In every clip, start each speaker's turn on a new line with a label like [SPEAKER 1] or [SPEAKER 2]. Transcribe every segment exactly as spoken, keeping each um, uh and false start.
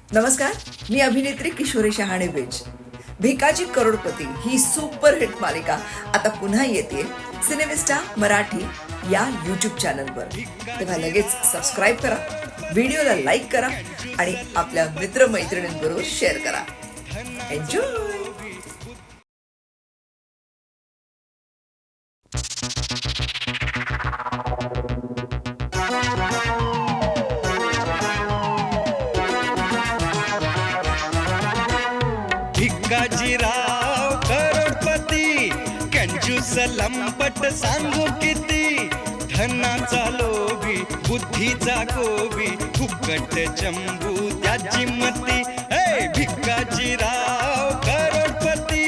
[SPEAKER 1] नमस्कार, मी अभिनेत्री किशोरी शहाणे बेज. भिकाजी करोडपती ही सुपरहिट मालिका आता पुन्हा येते सिनेमिस्टा मराठी या यूट्यूब चॅनलवर. तेव्हा लगेच सबस्क्राईब करा, व्हिडिओला लाईक करा आणि आपल्या मित्रमैत्रिणींबरोबर शेअर करा. एन्जॉय.
[SPEAKER 2] भिकाजीराव करोडपती कंजूस लंपट सांगू किती, धनाचा लोभी बुद्धीचा गोबी फुकट चंबू त्याची मती. हे भिकाजीराव करोडपती.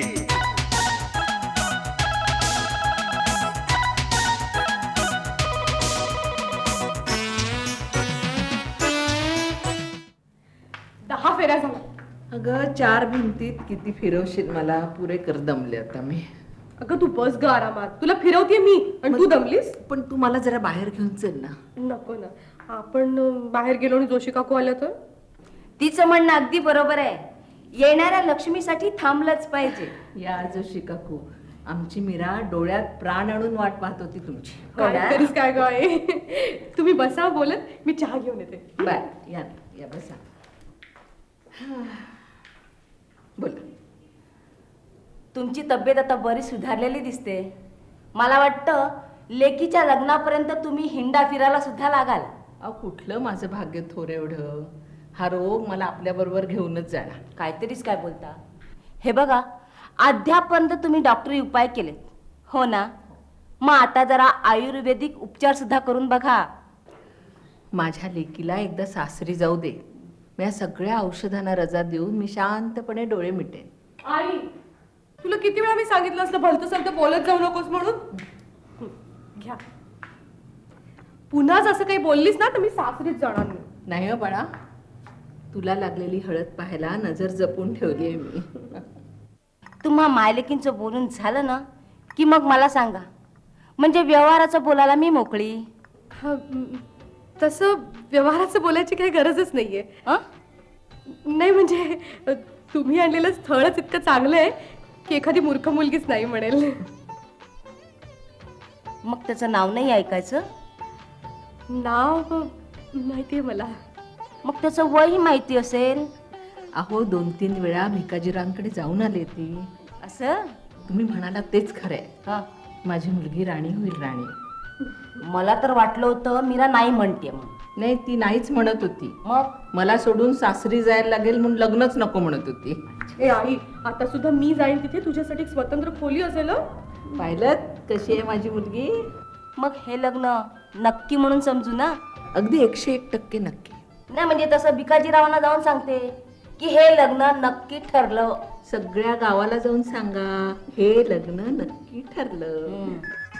[SPEAKER 3] दहा फेऱ्या झाल्या.
[SPEAKER 4] अगं चार भिंतीत किती फिरवशील मला, पुरे कर दमले आता मी.
[SPEAKER 3] अगं तू बस ग आरामात, तुला फिरवते मी आणि तू दमलीस.
[SPEAKER 4] पण तू मला जरा बाहेर घेऊन चल ना.
[SPEAKER 3] नको ना, आपण अं, बाहेर गेलो आणि जोशी काकू आल्या तर.
[SPEAKER 5] तिचं म्हणणं अगदी बरोबर आहे. येणाऱ्या लक्ष्मीसाठी थांबलंच पाहिजे.
[SPEAKER 4] या जोशी काकू, आमची मीरा डोळ्यात प्राण आणून वाट पाहत होती तुमची.
[SPEAKER 3] काय तरीच काय गाय. तुम्ही बसा बोलत, मी चहा घेऊन येते.
[SPEAKER 4] बाय, या या बसा. बोल.
[SPEAKER 5] तुमची तब्येत आता बरी सुधारलेली दिसते. मला वाटतं लेकीच्या लग्नापर्यंत तुम्ही हिंडा फिरायला सुद्धा लागाल.
[SPEAKER 4] अहो कुठलं माझं भाग्य थोर एवढं. हा रोग मला आपल्या बरोबर घेऊनच जाणार.
[SPEAKER 5] काहीतरीच काय बोलता. हे बघा, अद्यापर्यंत तुम्ही डॉक्टरी उपाय केलेत हो ना, मग आता जरा आयुर्वेदिक उपचार सुद्धा करून बघा.
[SPEAKER 4] माझ्या लेकीला एकदा सासरी जाऊ दे. मी या सगळ्या औषधांना रजा देऊन मी शांतपणे डोळे मिटेन.
[SPEAKER 3] आई, तुला किती वेळा मी सांगितलं असलं भलतं सलतं बोलत जाऊ नकोस म्हणून. हं, घ्या. पुन्हाच असं काही बोललीस ना तर मी सासरीच जाणार नाही.
[SPEAKER 4] नाही हो बाळा, तुला लागलेली हळद पाहायला नजर जपून ठेवली आहे मी.
[SPEAKER 5] तुम्हा मायलेकींचं बोलून झालं ना की मग मला सांगा, म्हणजे व्यवहाराचं बोलायला मी मोकळी.
[SPEAKER 3] हा, म, तसं व्यवहाराचं बोलायची काही गरजच नाहीये.
[SPEAKER 5] अं?
[SPEAKER 3] नाही म्हणजे अ, तुम्ही आणलेलं स्थळच इतकं चांगलं आहे की एखादी मूर्ख मुलगीच नाही म्हणेल.
[SPEAKER 5] मग त्याचं नाव नाही ऐकायचं.
[SPEAKER 3] नाव माहितीये मला.
[SPEAKER 5] मग त्याचं वयही माहिती असेल.
[SPEAKER 4] अहो दोन तीन वेळा भिकाजीरांकडे जाऊन आले ती.
[SPEAKER 5] असं
[SPEAKER 4] तुम्ही म्हणाला तेच खरंय.
[SPEAKER 5] हा,
[SPEAKER 4] माझी मुलगी राणी होईल राणी.
[SPEAKER 5] मला तर वाटलं होतं मीरा नाही म्हणते मग.
[SPEAKER 4] नाही, ती नाहीच म्हणत होती.
[SPEAKER 5] मग
[SPEAKER 4] मला सोडून सासरी जायला लागेल म्हणून लग्नच नको म्हणत होती.
[SPEAKER 3] ए आई, आता सुद्धा मी जाईन तिथे, तुझ्यासाठी एक स्वतंत्र खोली असेल हं?
[SPEAKER 4] पाहिलं कशी आहे माझी मुलगी.
[SPEAKER 5] मग हे लग्न नक्की म्हणून समजू ना.
[SPEAKER 4] अगदी एकशे एक टक्के नक्की.
[SPEAKER 5] नाही म्हणजे तसं भिकाजीरावांना जाऊन सांगते की हे लग्न नक्की ठरलं.
[SPEAKER 4] सगळ्या गावाला जाऊन सांगा हे लग्न नक्की ठरलं.
[SPEAKER 5] हम्म.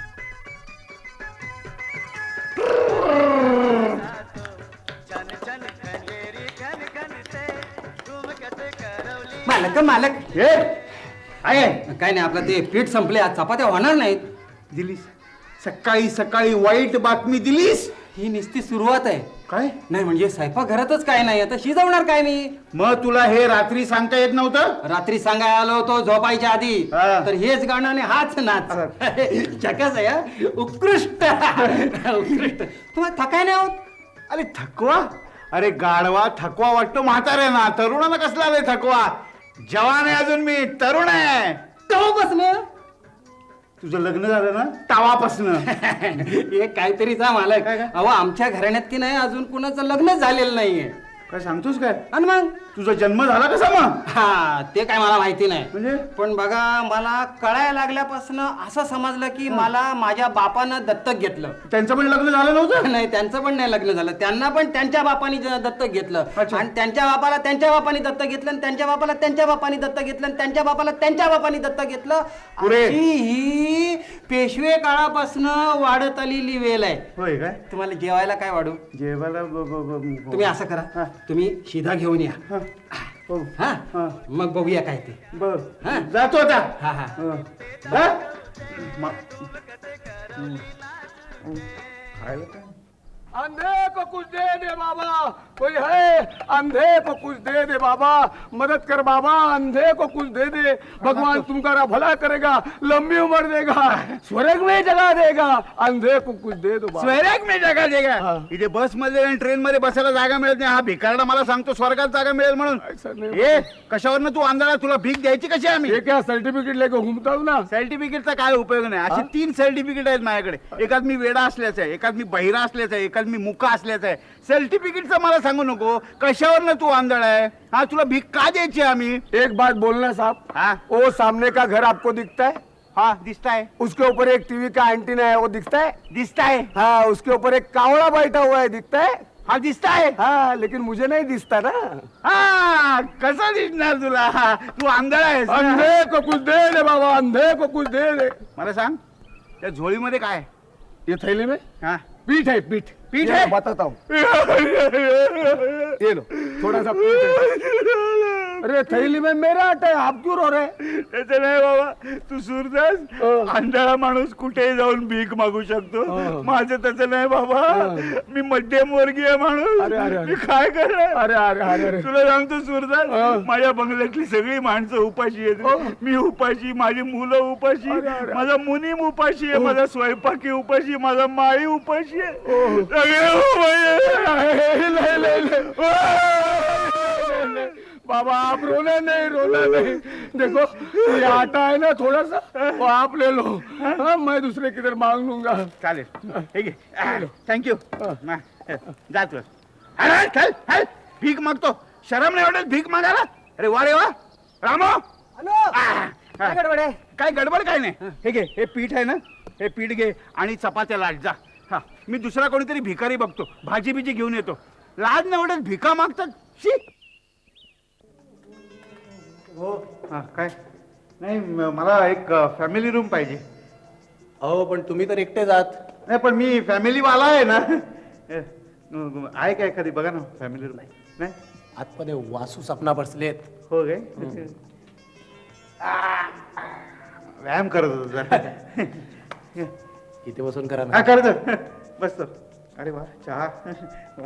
[SPEAKER 6] मालक मालक
[SPEAKER 7] हे आहे
[SPEAKER 6] काय नाही, आपलं ते पीठ संपले, आज चपात्या होणार नाहीत.
[SPEAKER 7] दिलीस सकाळी सकाळी वाईट बातमी दिलीस.
[SPEAKER 6] ही नुसती सुरुवात आहे.
[SPEAKER 7] काय
[SPEAKER 6] नाही म्हणजे स्वयंपाक घरातच काय नाही, आता शिजवणार काय मी.
[SPEAKER 7] मग तुला हे रात्री सांगता येत नव्हतं.
[SPEAKER 6] रात्री सांगायला आलो होतो झोपायच्या आधी,
[SPEAKER 7] हा.
[SPEAKER 6] तर हेच गाणं आणि हाच नाच. जगाच आहे हा. उत्कृष्ट उत्कृष्ट. तुम्हाला थकाय नाही होत.
[SPEAKER 7] अरे थकवा, अरे गाढवा थकवा वाटतो म्हाताऱ्यांना, तरुणांना कसला आले थकवा. जवान आहे अजून मी, तरुण आहे.
[SPEAKER 6] तेव्हापासनं
[SPEAKER 7] तुझं लग्न झालं ना तावापासनं.
[SPEAKER 6] हे काहीतरी जा मालक.
[SPEAKER 7] काय काय?
[SPEAKER 6] अहो आमच्या घराण्यात की नाही अजून कुणाचं लग्न झालेलं नाहीये.
[SPEAKER 7] काय सांगतोस काय?
[SPEAKER 6] आणि मग
[SPEAKER 7] तुझा जन्म झाला कसा मग?
[SPEAKER 6] हा ते काय मला माहिती नाही.
[SPEAKER 7] म्हणजे
[SPEAKER 6] पण बघा, मला कळायला लागल्यापासून असं समजलं की मला माझ्या बापानं दत्तक घेतलं.
[SPEAKER 7] त्यांचं पण लग्न झालं नव्हतं?
[SPEAKER 6] नाही, त्यांचं पण नाही लग्न झालं. त्यांना पण त्यांच्या बापानी ज- दत्तक घेतलं.
[SPEAKER 7] अच्छा.
[SPEAKER 6] आणि त्यांच्या बापाला त्यांच्या बापानी दत्तक घेतलं, आणि त्यांच्या बापाला त्यांच्या बापानी दत्तक घेतलं, आणि त्यांच्या बापाला त्यांच्या बापानी दत्तक घेतलं.
[SPEAKER 7] पुरे.
[SPEAKER 6] अशी ही पेशवे काळापासून वाढत आलेली वेल आहे.
[SPEAKER 7] होय काय?
[SPEAKER 6] तुम्हाला जेवायला काय वाढू?
[SPEAKER 7] जेवायला ब- ब- ब-
[SPEAKER 6] तुम्ही असं करा,
[SPEAKER 7] हा.
[SPEAKER 6] तुम्ही शिधा घेऊन या.
[SPEAKER 7] हा. हो.
[SPEAKER 6] हा
[SPEAKER 7] हा.
[SPEAKER 6] मग बघूया काय ते.
[SPEAKER 7] बर
[SPEAKER 6] हा.
[SPEAKER 7] जातो आता.
[SPEAKER 6] हा हा
[SPEAKER 7] हा. हा? मा- हं. हं. खायला काय
[SPEAKER 8] अंधे को कुछ दे दे बाबा, कोई है अंधे को कुछ दे दे बाबा, मदद कर बाबा, अंधे को कुछ दे दे, भगवान तुम्हारा भला करेगा, लंबी उम्र देगा, स्वर्ग में जगह देगा, अंधे को कुछ दे दो बाबा.
[SPEAKER 7] स्वर्ग मी जागा देगा
[SPEAKER 8] हा.
[SPEAKER 7] इथे बस मध्ये आणि ट्रेन मध्ये बसायला जागा मिळत नाही. हा भिकारडा मला सांगतो स्वर्गात जागा मिळेल म्हणून.
[SPEAKER 8] ऐसा नहीं.
[SPEAKER 7] ए कशावरनं तू आंधळा, तुला भीक द्यायची कशी आम्ही?
[SPEAKER 8] ये क्या सर्टिफिकेट लेके घूमता हूँ ना.
[SPEAKER 7] सर्टिफिकेटचा काय उपयोग नाही. अशी तीन सर्टिफिकेट आहेत माझ्याकडे. एकात मी वेडा असल्याचं आहे, एकात मी बहिरा असल्याचं आहे, एकात मी मुका असल्याचं आहे. सर्टिफिकेटचं मला सांगू नको. कशावरनं तू आंधळा आहे? हा तुला भीक का द्यायची आम्ही?
[SPEAKER 8] एक बात बोलना साहब,
[SPEAKER 7] हाँ
[SPEAKER 8] वो सामने का घर आपको दिखता है,
[SPEAKER 7] हा दिसताय
[SPEAKER 8] उसके ऊपर एक टीवी का एंटीना है वो दिखता है.
[SPEAKER 7] दिसताय
[SPEAKER 8] हाँ, उसके ऊपर एक कावड़ा बैठा हुआ है दिखता है.
[SPEAKER 7] हा दिसताय.
[SPEAKER 8] हाँ, लेकिन मुझे नहीं दिखता ना.
[SPEAKER 7] हा कसा दिसणार तुला? हा, तू आंधळा आहेस ना?
[SPEAKER 8] अंधे को कुछ दे दे बाबा, अंधे को कुछ दे दे.
[SPEAKER 7] मला सांग त्या झोळीमध्ये काय आहे?
[SPEAKER 8] ये थैली में
[SPEAKER 7] हा
[SPEAKER 8] पीठ है, पीठ.
[SPEAKER 7] पीठ
[SPEAKER 8] ये
[SPEAKER 7] है?
[SPEAKER 8] मैं बताता हूँ. ये लो थोड़ा सा पीठ है. अरे थैली में मेरा आटा है, आप क्यों रो रहे हैं?
[SPEAKER 7] त्याचं नाही बाबा, तू सूरदास
[SPEAKER 8] हं.
[SPEAKER 7] आंधळा माणूस कुठेही जाऊन भीक मागू शकतो.
[SPEAKER 8] हं.
[SPEAKER 7] माझं तसं नाही बाबा.
[SPEAKER 8] हं.
[SPEAKER 7] मी मध्यम वर्गीय माणूस.
[SPEAKER 8] अरे, अरे, अरे.
[SPEAKER 7] मी काय करणार?
[SPEAKER 8] अरे अरे अरे अरे
[SPEAKER 7] तुला सांगतो सूरदास,
[SPEAKER 8] हं.
[SPEAKER 7] माझ्या बंगल्यातली सगळी माणसं उपाशी आहेत.
[SPEAKER 8] हं.
[SPEAKER 7] मी उपाशी, माझी मुलं उपाशी,
[SPEAKER 8] अरे, अरे.
[SPEAKER 7] माझा मुनीम उपाशी आहे,
[SPEAKER 8] हं.
[SPEAKER 7] माझा स्वयंपाकी उपाशी, माझा माई उपाशी आहे.
[SPEAKER 8] हं.
[SPEAKER 7] सगळे उपाशी आहे.
[SPEAKER 8] ले, ले, ले. बाबा आप रोना नहीं, रोना नहीं. देखो ये आटा है ना थोड़ा सा, वो आप ले लो. हाँ, मैं दूसरे किधर मांग लूंगा.
[SPEAKER 7] चालेल ठीक आहे. थँक्यू.
[SPEAKER 8] हं.
[SPEAKER 7] जा तू. अरे चल चल. भीक मागतो, शरम नाही वाटत भीक मागायला? अरे वा रे वा रामो. आह,
[SPEAKER 6] काय गडबड आहे?
[SPEAKER 7] काय गडबड काय नाही. हे घे, हे पीठ आहे ना, हे पीठ घे आणि चपात्या लाट जा. हा मी दुसरा कोणीतरी भिकारी बघतो, भाजी बिजी घेऊन येतो. लाज नाही वाटत भिका मागतात. शी. हो हा काय नाही, म- मला एक फॅमिली रूम पाहिजे.
[SPEAKER 6] अहो पण तुम्ही तर एकटे जात.
[SPEAKER 7] नाही पण मी फॅमिली वाला आहे ना. ए, न- आहे का एखादी बघा ना फॅमिली रूम? नाही
[SPEAKER 6] आतमध्ये वासू सपना बसलेत.
[SPEAKER 7] हो काय? आ, व्यायाम करत होतो जरा.
[SPEAKER 6] इथे बसून करा
[SPEAKER 7] हा
[SPEAKER 6] ना.
[SPEAKER 7] करतो बसतो. अरे वा चहा वा.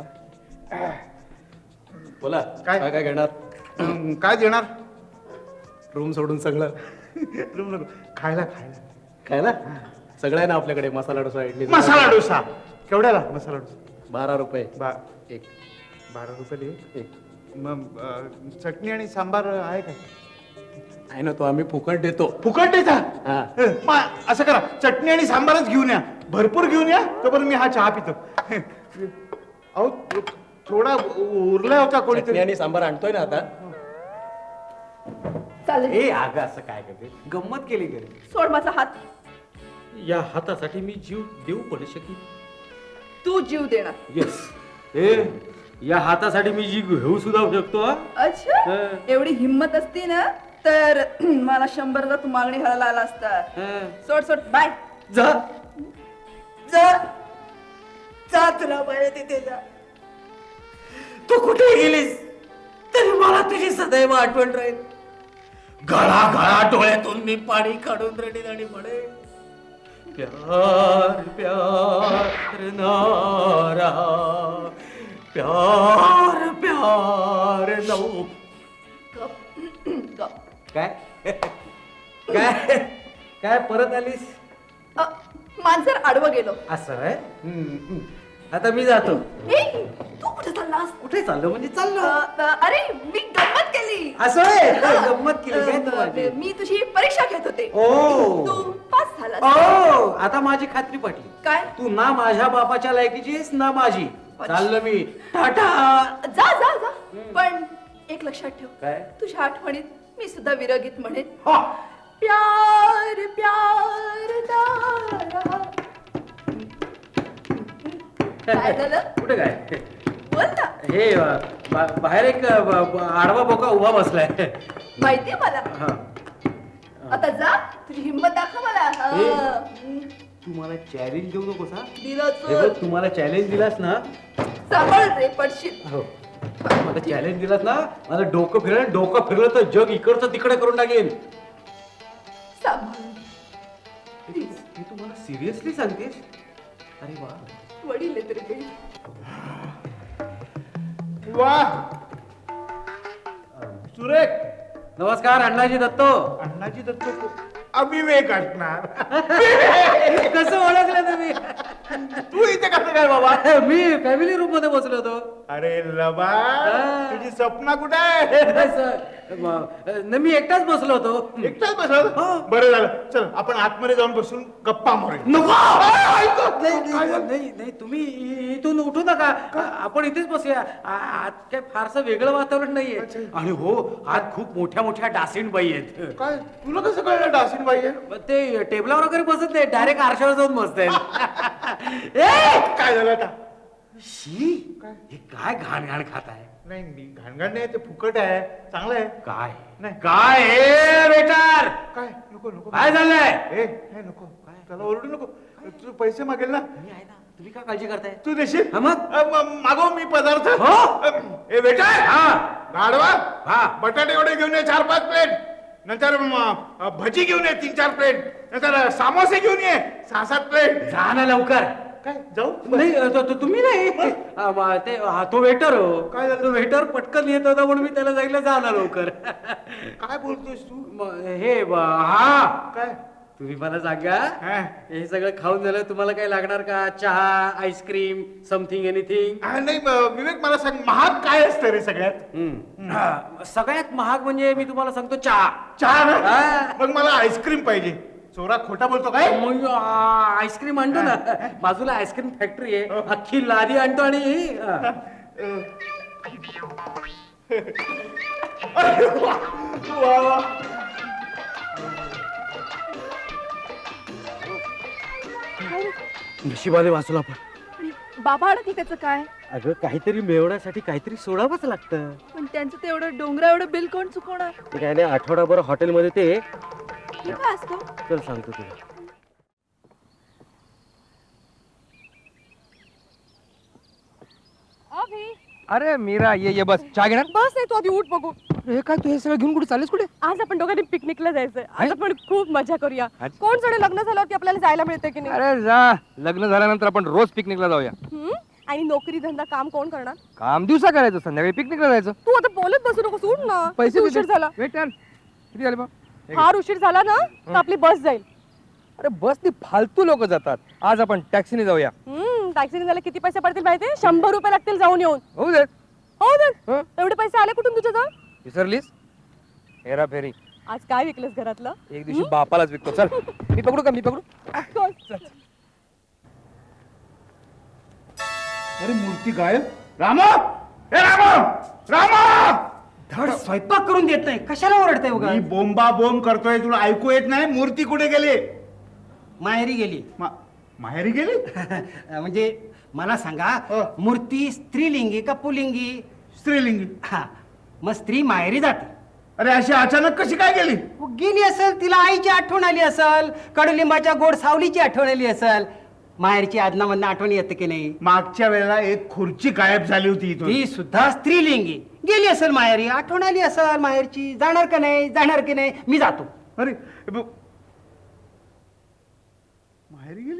[SPEAKER 6] बोला
[SPEAKER 7] काय?
[SPEAKER 6] काय काय घेणार?
[SPEAKER 7] अं, काय देणार?
[SPEAKER 6] रूम सोडून सगळं
[SPEAKER 7] रूम नको, खायला खायला.
[SPEAKER 6] काय ना सगळं आहे ना आपल्याकडे. मसाला डोसा, इडली,
[SPEAKER 7] मसाला डोसा केवढ्याला? मसाला डोसा
[SPEAKER 6] बारा रुपये
[SPEAKER 7] बा
[SPEAKER 6] एक.
[SPEAKER 7] बारा रुपये
[SPEAKER 6] एक
[SPEAKER 7] मग अं, चटणी आणि सांबार आहे का?
[SPEAKER 6] आहे ना, तो आम्ही फुकट देतो.
[SPEAKER 7] फुकट देता?
[SPEAKER 6] हा.
[SPEAKER 7] अं, मग असं करा, चटणी आणि सांबारच घेऊन या, भरपूर घेऊन या, तोपर्यंत मी हा चहा पितो. अहो थोडा उरला होता
[SPEAKER 6] चटणी
[SPEAKER 7] कोणीतरी.
[SPEAKER 6] आणि सांबार आणतोय ना आता.
[SPEAKER 3] चालेल.
[SPEAKER 6] ए अगं असं काय करते? गंमत केली घरी.
[SPEAKER 3] सोड माझा हात.
[SPEAKER 6] या हातासाठी मी जीव देऊ पडू शकेल.
[SPEAKER 3] तू जीव देणार.
[SPEAKER 6] येस. ए या हातासाठी मी जीव घेऊ सुद्धा शकतो. हा?
[SPEAKER 3] अच्छा,
[SPEAKER 6] हं.
[SPEAKER 3] एवढी हिंमत असती ना तर मला शंभरला तू मागणी घालायला आला असता.
[SPEAKER 6] हं.
[SPEAKER 3] सोड सोड बाय.
[SPEAKER 6] जा.
[SPEAKER 3] जा जा, तुला बाहेर तिथे जा.
[SPEAKER 6] तू कुठे गेलीस तरी मला तुझी सदैव आठवण राहील. गळा गळा डोळ्यातून मी पाणी काढून रडीन आणि म्हणे प्यार प्यार नारा प्यार प्यार नऊ.
[SPEAKER 3] गप, गप.
[SPEAKER 6] काय काय काय परत आलीस?
[SPEAKER 3] अ, मांजर आडवं गेलो.
[SPEAKER 6] असं आहे. हम्म, हम्म. आता मी जातो.
[SPEAKER 3] ए, तू कुठे चाललास?
[SPEAKER 6] कुठे चाललो म्हणजे
[SPEAKER 3] अ,
[SPEAKER 6] चाललो.
[SPEAKER 3] अ, अरे मी गंमत केली.
[SPEAKER 6] असं आहे.
[SPEAKER 3] हा.
[SPEAKER 6] गंमत केली काय तू माझी?
[SPEAKER 3] अ, मी तुझी परीक्षा घेत होते.
[SPEAKER 6] ओ.
[SPEAKER 3] तू पास झालास.
[SPEAKER 6] ओ आता माझी खात्री पटली.
[SPEAKER 3] काय?
[SPEAKER 6] तू ना माझ्या बापाच्या लायकीची आहेस ना माझी.
[SPEAKER 3] अच्छा.
[SPEAKER 6] चाललो मी. टाटा.
[SPEAKER 3] जा जा जा. पण एक लक्षात ठेव,
[SPEAKER 6] काय?
[SPEAKER 3] तुझ्या आठवणीत मी सुद्धा विरगीत म्हणेन.
[SPEAKER 6] हा.
[SPEAKER 3] प्यार प्यार दारा. काय झालं?
[SPEAKER 6] कुठे काय?
[SPEAKER 3] बोल ना.
[SPEAKER 6] हे अ, बा- बाहेर एक अ, ब- ब- आडवा बोका उभा बसलाय.
[SPEAKER 3] माहितीये मला.
[SPEAKER 6] हा.
[SPEAKER 3] आता जा, तुझी हिंमत दाखव मला. हा.
[SPEAKER 6] ए.
[SPEAKER 3] हम्म.
[SPEAKER 6] तू मला चॅलेंज देऊ नकोस हा.
[SPEAKER 3] दिलं
[SPEAKER 6] हे बघ,
[SPEAKER 3] चोर.
[SPEAKER 6] तू मला चॅलेंज दिलास ना.
[SPEAKER 3] सांभाळ रे, पडशील.
[SPEAKER 6] हो. मला चॅलेंज दिलास ना, माझं डोकं फिरलं डोकं फिरलं तर जग इकडचं तिकडे करून टाकेन.
[SPEAKER 3] सांभाळ.
[SPEAKER 6] हे तू मला सिरियसली सांगतेस? अरे वा.
[SPEAKER 3] वडील आहेत रे ते.
[SPEAKER 7] वा सुरेख.
[SPEAKER 6] नमस्कार अण्णाजी दत्तो.
[SPEAKER 7] अण्णाजी दत्त को- अविवेक असणार.
[SPEAKER 6] कसं ओळखलं तुम्ही?
[SPEAKER 7] तू इथे कसं काय बाबा?
[SPEAKER 6] मी फॅमिली रूम मध्ये बसलो होतो.
[SPEAKER 7] अरे लबा
[SPEAKER 6] हा.
[SPEAKER 7] तुझी स्वप्न कुठे आहे?
[SPEAKER 6] नाही, सर. म- न, मी एकटाच बसलो होतो.
[SPEAKER 7] एकटाच बसल. बरं झालं, चल आपण आतमध्ये जाऊन बसून गप्पा मारूया.
[SPEAKER 6] नको.
[SPEAKER 7] ऐक.
[SPEAKER 6] नाही, नाही, नाही नाही, तुम्ही इ- इथून उठू नका. आ- आपण इथेच बसूया. आ- आत काय फारसं वेगळं वातावरण नाहीये. आणि हो आत खूप मोठ्या मोठ्या डासीनबाई आहेत.
[SPEAKER 7] काय तुला कसं कळलं डासीन बाई आहे?
[SPEAKER 6] मग ते टेबलावर वगैरे बसत नाही, डायरेक्ट आरशावर जाऊन बसतायत. ए!
[SPEAKER 7] काय झालं आता?
[SPEAKER 6] शी हे काय घाण घाण खात आहे?
[SPEAKER 7] नाही मी घाणघाण नाही, ते फुकट आहे, चांगलं आहे.
[SPEAKER 6] काय
[SPEAKER 7] नाही.
[SPEAKER 6] काय ए वेटर
[SPEAKER 7] काय नको नको
[SPEAKER 6] काय झालंय?
[SPEAKER 7] ए हे नको त्याला ओरडू नको. तू पैसे मागेल ना,
[SPEAKER 6] मी आहे ना, तुम्ही काय काळजी करताय?
[SPEAKER 7] तू देशील?
[SPEAKER 6] हा मग?
[SPEAKER 7] अ, म- मागव मी पदार्थ.
[SPEAKER 6] हो.
[SPEAKER 7] अ, ए बेटा
[SPEAKER 6] हा
[SPEAKER 7] गाडवा
[SPEAKER 6] हा.
[SPEAKER 7] बटाटे वडे घेऊन ये चार पाच प्लेट. नंतर म, अ, भजी घेऊन ये तीन चार प्लेट. नंतर समोसे घेऊन ये सहा सात प्लेट.
[SPEAKER 6] जा ना लवकर.
[SPEAKER 7] काय जाऊ?
[SPEAKER 6] नाही तो- तो- तुम्ही नाही आ, म, ते हा, तो वेटर हो.
[SPEAKER 7] काय झालं?
[SPEAKER 6] तो वेटर पटकन येत होता म्हणून मी त्याला सांगितलं जा ना लवकर.
[SPEAKER 7] काय बोलतोस तू?
[SPEAKER 6] म, हे ब- हा
[SPEAKER 7] काय
[SPEAKER 6] तुम्ही मला सांगा
[SPEAKER 7] हा.
[SPEAKER 6] हे सगळं खाऊन झालं तुम्हाला काय लागणार का? चहा आईस्क्रीम समथिंग एनिथिंग?
[SPEAKER 7] हा, नाही म, विवेक मला सांग महाग काय असतं रे सगळ्यात?
[SPEAKER 6] सगळ्यात महाग म्हणजे मी तुम्हाला सांगतो चहा.
[SPEAKER 7] चहा ना.
[SPEAKER 6] हा.
[SPEAKER 7] मग मला आईस्क्रीम पाहिजे. चोरा खोटा बोलतो काय?
[SPEAKER 6] मग आ, आईस्क्रीम आणतो ना बाजूला आईस्क्रीम फॅक्टरी आहे अख्खी लादी आणतो आणि हा.
[SPEAKER 7] वा वा.
[SPEAKER 6] नशिबाने वाचलो आपण.
[SPEAKER 3] बाबा अडकली त्याचं काय?
[SPEAKER 6] अगं काहीतरी मिळवण्यासाठी काहीतरी सोडावंच लागतं.
[SPEAKER 3] पण त्यांचं ते एवढं डोंगरा एवढं बिल कोण चुकवणार?
[SPEAKER 6] ते काय नाही आठवडाभर हॉटेलमध्ये ते
[SPEAKER 3] हे काय असतं?
[SPEAKER 6] चल सांगतो तुला.
[SPEAKER 3] अभि
[SPEAKER 8] अरे मीरा ये ये बस चहा घेणार.
[SPEAKER 3] बस नाही, तू आधी उठ बघू.
[SPEAKER 8] हे काय तू हे सगळं घेऊन कुठे चाललेस? कुठे?
[SPEAKER 3] आज आपण दोघांनी पिकनिकला जायचंय. आज आपण खूप मजा करूया.
[SPEAKER 8] अच्छा.
[SPEAKER 3] कोण जाणे लग्न झाल्यावरती आपल्याला जायला मिळते की नाही?
[SPEAKER 8] अरे जा, लग्न झाल्यानंतर आपण रोज पिकनिकला जाऊया.
[SPEAKER 3] हम्म? आणि नोकरी धंदा काम कोण करणार?
[SPEAKER 8] काम दिवसा करायचं, संध्याकाळी पिकनिकला जायचं.
[SPEAKER 3] तू आता बोलत बसू नको, उठ ना.
[SPEAKER 8] पैसे
[SPEAKER 3] किती उशीर
[SPEAKER 8] किती?
[SPEAKER 3] झाला.
[SPEAKER 8] वेट यार, किती झाले बा?
[SPEAKER 3] फार उशीर झाला ना तर आपली बस जाईल.
[SPEAKER 8] अरे बसनी फालतू लोक जातात. आज आपण टॅक्सीने जाऊया.
[SPEAKER 3] हम्म टॅक्सीने जायला किती पैसे पडतील माहितीये? शंभर रुपये लागतील जाऊन येऊन.
[SPEAKER 8] होऊ दे.
[SPEAKER 3] हो
[SPEAKER 8] हं?
[SPEAKER 3] ना. एवढे पैसे आले कुठून तुझ्याजवळ?
[SPEAKER 8] विसरलीस? हेरा फेरी
[SPEAKER 3] आज काय विकलंस घरातलं?
[SPEAKER 8] एक दिवशी बापालाच विकतो. चल मी पकडू का? मी पकडू?
[SPEAKER 7] अरे मूर्ती गायब. रामा हे रामा रामा.
[SPEAKER 6] धड स्वयंपाक करून देत नाही, कशाला ओरडताय उगा?
[SPEAKER 7] मी बोंबा बोंब करतोय, तुला ऐकू येत नाही? मूर्ती कुठे गेली?
[SPEAKER 6] माहेरी गेली.
[SPEAKER 7] मा- माहेरी गेली?
[SPEAKER 6] म्हणजे मला सांगा
[SPEAKER 7] हो.
[SPEAKER 6] मूर्ती स्त्रीलिंगी का पुलिंगी?
[SPEAKER 7] स्त्रीलिंगी.
[SPEAKER 6] हा मग स्त्री माहेरी जाते.
[SPEAKER 7] अरे अशी अचानक कशी काय गेली?
[SPEAKER 6] मग गेली असेल, तिला आईची आठवण आली असेल, कडुलिंबाच्या गोड सावलीची आठवण आली असेल. माहेरची आदनामधनं आठवण येते की नाही?
[SPEAKER 7] मागच्या वेळेला एक खुर्ची गायब झाली होती इथून.
[SPEAKER 6] ती सुद्धा स्त्रीलिंगी. गेली असेल माहेरी, आठवण आली असेल माहेरची. जाणार का नाही? जाणार की नाही? मी जातो.
[SPEAKER 7] अरे ब- माहेरी गेली.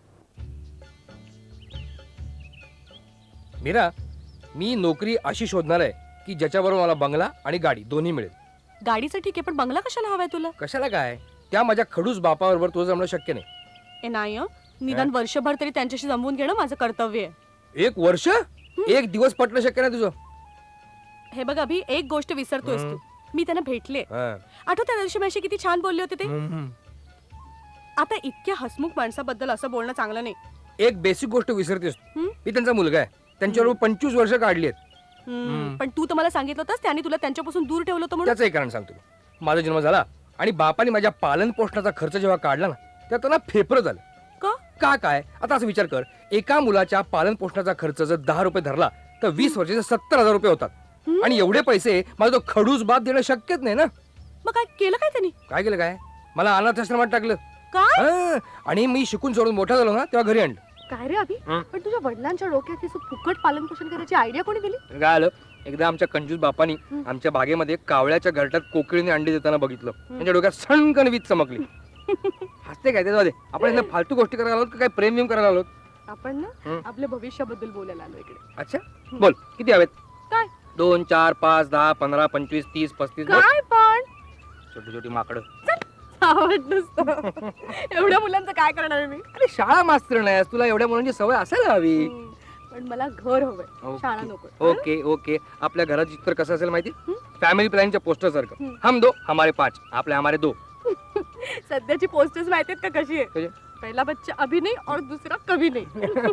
[SPEAKER 9] मीरा, मी नोकरी अशी शोधणार आहे की ज्याच्याबरोबर मला बंगला आणि गाडी दोन्ही मिळेल.
[SPEAKER 3] गाडीचं ठीक आहे, पण बंगला कशाला हवाय तुला?
[SPEAKER 9] कशाला काय, त्या माझ्या खडूस बापाबरोबर तुझं जमणं शक्य नाही.
[SPEAKER 3] ए नाही हं. निदान वर्षभर तरी त्यांच्याशी जमवून घेणं माझं कर्तव्य आहे.
[SPEAKER 9] एक वर्ष एक दिवस पटणं शक्य नाही तुझं.
[SPEAKER 3] हे बघ अभि, एक गोष्ट विसरतोयस तू. मी त्यांना भेटले.
[SPEAKER 9] हा.
[SPEAKER 3] आठवत त्या दिवशी माझी किती छान बोलले होते ते.
[SPEAKER 9] हम्म.
[SPEAKER 3] आता इतक्या हसमुख माणसाबद्दल असं बोलणं चांगलं नाही.
[SPEAKER 9] एक बेसिक गोष्ट विसरतेस तू.
[SPEAKER 3] हम्म?
[SPEAKER 9] मी त्यांचा मुलगा आहे, त्यांच्याबरोबर पंचवीस वर्ष काढली आहेत.
[SPEAKER 3] हम्म, पण तू तर मला सांगितलं होतंस त्यांनी तुला त्यांच्यापासून दूर ठेवलं होतं म्हणून.
[SPEAKER 9] त्याचं एक कारण सांगतो मी. माझा जन्म झाला आणि बापाने माझ्या पालन पोषणाचा खर्च जेव्हा काढला ना, तेव्हा त्यांना फेफरं झालं.
[SPEAKER 3] का?
[SPEAKER 9] का काय? आता असं विचार कर, एका मुलाच्या पालन पोषणाचा खर्च जर दहा रुपये धरला तर वीस वर्षाचे सत्तर हजार रुपये होतात. आणि एवढे पैसे माझा तो खडूस बाप देणं शक्यच नाही ना.
[SPEAKER 3] मग काय केलं काय त्यांनी?
[SPEAKER 9] काय केलं काय, मला अनाथ आश्रमात टाकलं.
[SPEAKER 3] काय?
[SPEAKER 9] हा, आणि मी शिकून सोडून मोठा झालो ना, तेव्हा घरी आणलं.
[SPEAKER 3] काय रे अभि,
[SPEAKER 9] हं?
[SPEAKER 3] पण तुझ्या वडिलांच्या डोक्यात हे असं फुकट पालन पोषण करायची आयडिया कोणी दिली?
[SPEAKER 9] काय आलं, एकदा आमच्या कंजूस बापानी आमच्या बागेमध्ये कावळ्याच्या घरट्यात कोकिळीने अंडी देताना बघितलं. त्यांच्या डोक्यात सणकन वीज चमकली. हसते काय ते, जाऊ दे. आपण इथं फालतू गोष्टी करायला आलोत का काय प्रेम विम करायला आलोत?
[SPEAKER 3] आपण ना आपल्या भविष्याबद्दल बोलायला आलो इकडे.
[SPEAKER 9] अच्छा बोल किती हवेत?
[SPEAKER 3] काय
[SPEAKER 9] दोन चार पाच दहा पंधरा पंचवीस तीस पस्तीस बोल.
[SPEAKER 3] काय पण
[SPEAKER 9] छोटी छोटी माकडं.
[SPEAKER 3] आवड नसतं. एवढ्या मुलांचं काय करणार आहे मी?
[SPEAKER 9] अरे शाळा मास्तर नाहीस, तुला एवढ्या मुलांची सवय असायला हवी.
[SPEAKER 3] हम्म, पण मला घर हवंय,
[SPEAKER 9] ओके.
[SPEAKER 3] शाळा नको.
[SPEAKER 9] ओके ओके आपल्या घरात चित्र कसं असेल माहिती? फॅमिली प्लॅनच्या पोस्टर सारखं. हम दो हमारे पाच, आपले हमारे दो.
[SPEAKER 3] सध्याची पोस्टर्स माहितीत का कशी आहे?
[SPEAKER 9] कशी?
[SPEAKER 3] पहिला बच्चा अभि नाही और दुसरा कभी नाही.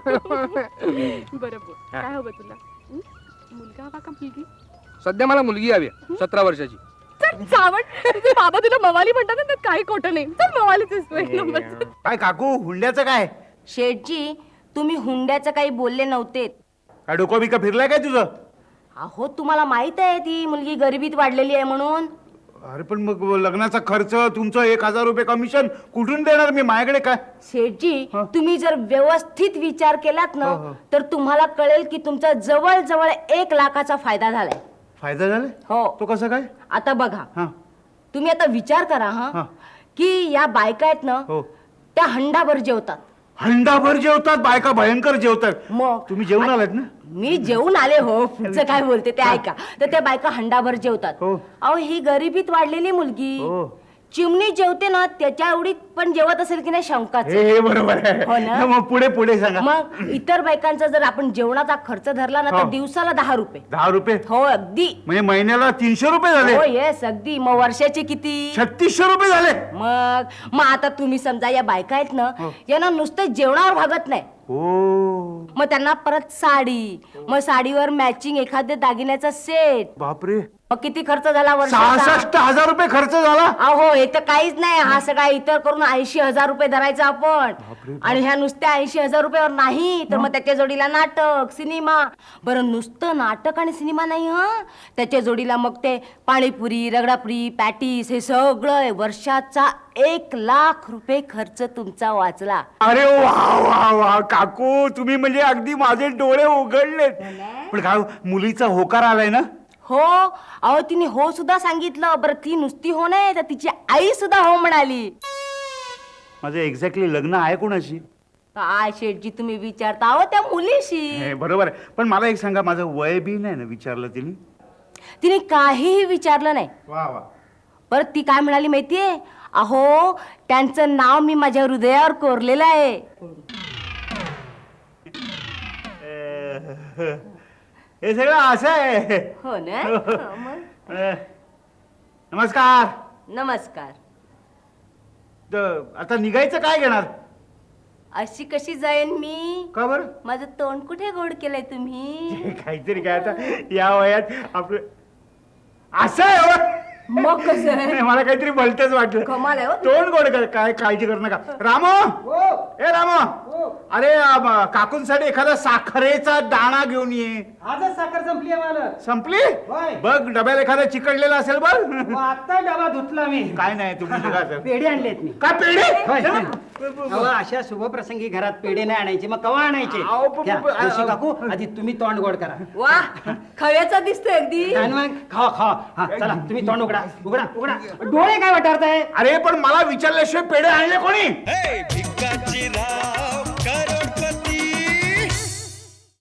[SPEAKER 3] बरोबर.
[SPEAKER 9] हा.
[SPEAKER 3] काय हवं तुला? हं? मुलगा हवा का मुलगी?
[SPEAKER 9] सध्या मला मुलगी हवी आहे, सतरा वर्षाची.
[SPEAKER 3] चल चावट. तुझे बाबा तुला मवाली म्हणतात ना, त्यात काही खोटं नाही. चल मवालीच असतो एक नंबर.
[SPEAKER 7] काय काकू हुंड्याचं काय?
[SPEAKER 5] शेठजी तुम्ही हुंड्याचं काही बोलले नव्हते.
[SPEAKER 7] काय डोकं बिका फिरलाय काय तुझं?
[SPEAKER 5] अहो तुम्हाला माहित आहे ती मुलगी गरिबीत वाढलेली आहे म्हणून.
[SPEAKER 7] अरे पण मग लग्नाचा खर्च तुमचं एक हजार रुपये कमिशन कुठून देणार मी? माझ्याकडे काय?
[SPEAKER 5] शेठजी
[SPEAKER 7] हं.
[SPEAKER 5] तुम्ही जर व्यवस्थित विचार केलात ना
[SPEAKER 7] हो, हो.
[SPEAKER 5] तर तुम्हाला कळेल की तुमचा जवळ जवळ एक लाखाचा फायदा झालाय.
[SPEAKER 7] फायदा झाला?
[SPEAKER 5] हो.
[SPEAKER 7] तो कसा काय?
[SPEAKER 5] आता बघा
[SPEAKER 7] हा
[SPEAKER 5] तुम्ही आता विचार करा हा
[SPEAKER 7] हा.
[SPEAKER 5] की या बायका आहेत ना
[SPEAKER 7] हो.
[SPEAKER 5] त्या हंडाभर जेवतात.
[SPEAKER 7] हंडाभर जेवतात बायका, भयंकर जेवतात.
[SPEAKER 5] मग
[SPEAKER 7] तुम्ही जेवून आलात ना?
[SPEAKER 5] मी जेवून आले हो. पुढचं काय बोलते ते ऐका. तर त्या बायका हंडाभर जेवतात.
[SPEAKER 7] हो.
[SPEAKER 5] अहो ही गरिबीत वाढलेली मुलगी
[SPEAKER 7] हो.
[SPEAKER 5] चिमणी जेवते ना त्याच्या एवढी पण जेवत असेल की नाही शंकाच.
[SPEAKER 7] हे हे बरोबर
[SPEAKER 5] हो ना?
[SPEAKER 7] आहे. मग पुढे पुढे सांगा.
[SPEAKER 5] मग इतर बायकांचा जर आपण जेवणाचा खर्च धरला ना तर
[SPEAKER 7] हो.
[SPEAKER 5] दिवसाला दहा रुपये.
[SPEAKER 7] दहा रुपये
[SPEAKER 5] हो अगदी.
[SPEAKER 7] म्हणजे महिन्याला तीनशे रुपये झाले.
[SPEAKER 5] हो येस अगदी. मग वर्षाचे किती?
[SPEAKER 7] छत्तीसशे रुपये झाले.
[SPEAKER 5] मग मग आता तुम्ही समजा या बायका आहेत ना
[SPEAKER 7] हो.
[SPEAKER 5] यांना नुसतं जेवणावर भागत नाही.
[SPEAKER 7] हो
[SPEAKER 5] मग त्यांना परत साडी, मग साडीवर मॅचिंग एखाद्या दागिन्याचा सेट.
[SPEAKER 7] बापरे,
[SPEAKER 5] मग किती खर्च झाला वर्षाचा?
[SPEAKER 7] सहासष्ट हजार रुपये खर्च झाला.
[SPEAKER 5] अहो हे तर काहीच नाही. हा सगळा इतर करून ऐंशी हजार रुपये धरायचा आपण. आणि ह्या नुसत्या ऐंशी हजार रुपयावर नाही तर मग त्याच्या जोडीला नाटक, सिनेमा. बरं नुसतं नाटक आणि सिनेमा नाही हा, त्याच्या जोडीला मग ते पाणीपुरी, रगडापुरी, पॅटीस हे सगळं. वर्षाचा एक लाख रुपये खर्च तुमचा वाचला.
[SPEAKER 7] अरे वा वा वा काकू, तुम्ही म्हणजे अगदी माझे डोळे उघडलेत. पण काय मुलीचा होकार आलाय ना?
[SPEAKER 5] हो अहो तिने हो सुद्धा सांगितलं. बरं ती नुसती हो नाही तर तिची आई सुद्धा हो म्हणाली.
[SPEAKER 7] माझं एक्झॅक्टली लग्न आहे कोणाशी?
[SPEAKER 5] काय शेठजी तुम्ही विचारता अहो त्या मुलीशी.
[SPEAKER 7] हे बरोबर आहे, पण मला एक सांगा, माझं वय बी नाही ना विचारलं तिने?
[SPEAKER 5] तिने काहीही विचारलं नाही.
[SPEAKER 7] वा वा.
[SPEAKER 5] परत ती काय म्हणाली माहितीये? अहो त्यांचं नाव मी माझ्या हृदयावर कोरलेलं आहे.
[SPEAKER 7] हे सगळं असं आहे.
[SPEAKER 5] हो ना? हो, मग.
[SPEAKER 7] अ, नमस्कार.
[SPEAKER 5] नमस्कार.
[SPEAKER 7] द- आता निघायचं काय घेणार?
[SPEAKER 5] अशी कशी जाईन मी?
[SPEAKER 7] का बरं?
[SPEAKER 5] माझं तोंड कुठे गोड केलंय तुम्ही?
[SPEAKER 7] काहीतरी काय आता या वयात आपलं असं आहे हो.
[SPEAKER 5] मग कसं आहे?
[SPEAKER 7] नाही, मला काहीतरी भलतच वाटलं.
[SPEAKER 5] कमाल आहे हो.
[SPEAKER 7] तोंड गोड कर, काय काळजी करू नका. रामो, ए रामो, अरे अम, काकूंसाठी एखादा साखरेचा दाणा घेऊन ये.
[SPEAKER 10] आजच साखर संपली आहे मला.
[SPEAKER 7] संपली?
[SPEAKER 10] होय.
[SPEAKER 7] बघ डब्याला एखादा चिकटलेला असेल बघ.
[SPEAKER 10] मग आता डबा धुतला मी.
[SPEAKER 7] काय नाही तुम्ही निघा.
[SPEAKER 10] पेढे आणलेत मी.
[SPEAKER 7] काय पेढे?
[SPEAKER 10] होय. अहो, अशा शुभप्रसंगी घरात पेढे नाही आणायचे मग कवा आणायचे?
[SPEAKER 7] अहो, प- प-
[SPEAKER 10] घ्या,
[SPEAKER 7] प-
[SPEAKER 10] जोशी काकू आधी तुम्ही तोंड गोड करा.
[SPEAKER 5] वा खव्याचा दिसतोय अगदी.
[SPEAKER 10] आणि मग खावा खावा. हा चला तुम्ही तोंड उघडा उघडा उघडा. डोळे काय वाटारताय?
[SPEAKER 7] अरे पण मला विचारल्याशिवाय पेढे आणले कोणी?
[SPEAKER 2] हे भिकाजी राव